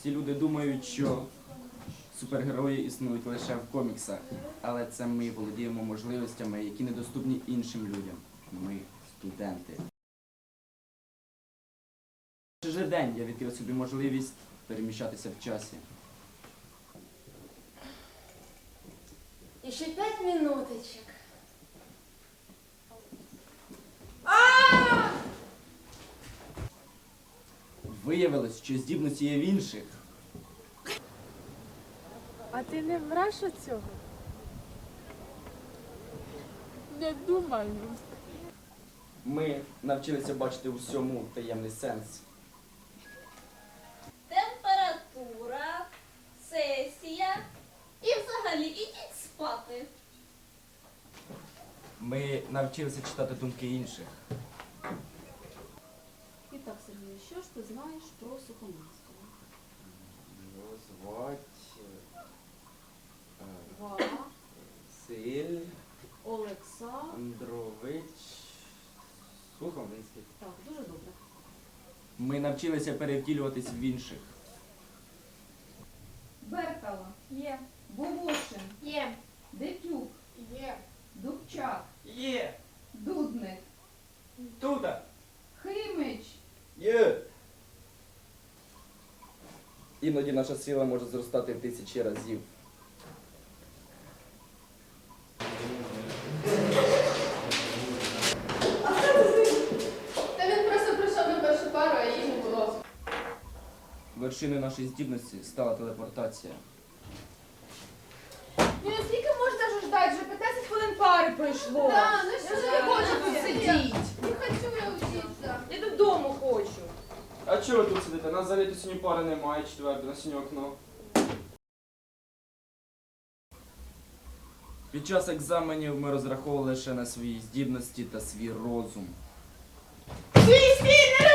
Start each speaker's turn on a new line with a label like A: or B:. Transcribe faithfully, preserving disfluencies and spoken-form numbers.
A: Всі люди думають, що супергерої існують лише в коміксах, але це ми володіємо можливостями, які недоступні іншим людям. Ми студенти. Перший же день я відкрив собі можливість переміщатися в часі.
B: І ще п'ять минуточок.
A: Виявилось, що здібності є в інших.
C: А ти не враш у цього? Не думаю.
A: Ми навчилися бачити у всьому таємний сенс.
B: Температура, сесія і взагалі ідіть спати.
A: Ми навчилися читати думки інших.
D: І так, Сергію, що ж ти знаєш про Сухомлинського?
A: Його звать
D: Василь
A: Олександрович Сухомлинський.
D: Так, дуже добре.
A: Ми навчилися перевтілюватись в інших.
E: Беркало.
B: Є.
E: Бувошин.
B: Є.
E: Детюк.
B: Є.
E: Дубчак.
A: Є!
E: Дудник.
A: Туда!
E: Химич.
A: Є! Іноді наша сила може зростати в тисячі разів.
E: Та він просто прийшов на першу пару, а її не було.
A: Вершиною нашої здібності стала телепортація.
F: Ну скільки можна вже ждати? Вже п'ятнадцять хвилин пари пройшло.
E: Да, ну
F: Я
E: що
F: вже
E: за
F: не хочу
E: робота?
F: тут сидіти.
E: Не хочу я вчитися.
F: Я додому хочу.
G: А чого ви тут сидите? Нас взагалі сьогодні пари немає, четверте, на синє окно.
A: Під час екзаменів ми розраховували лише на свої здібності та свій розум.
F: Свій свій не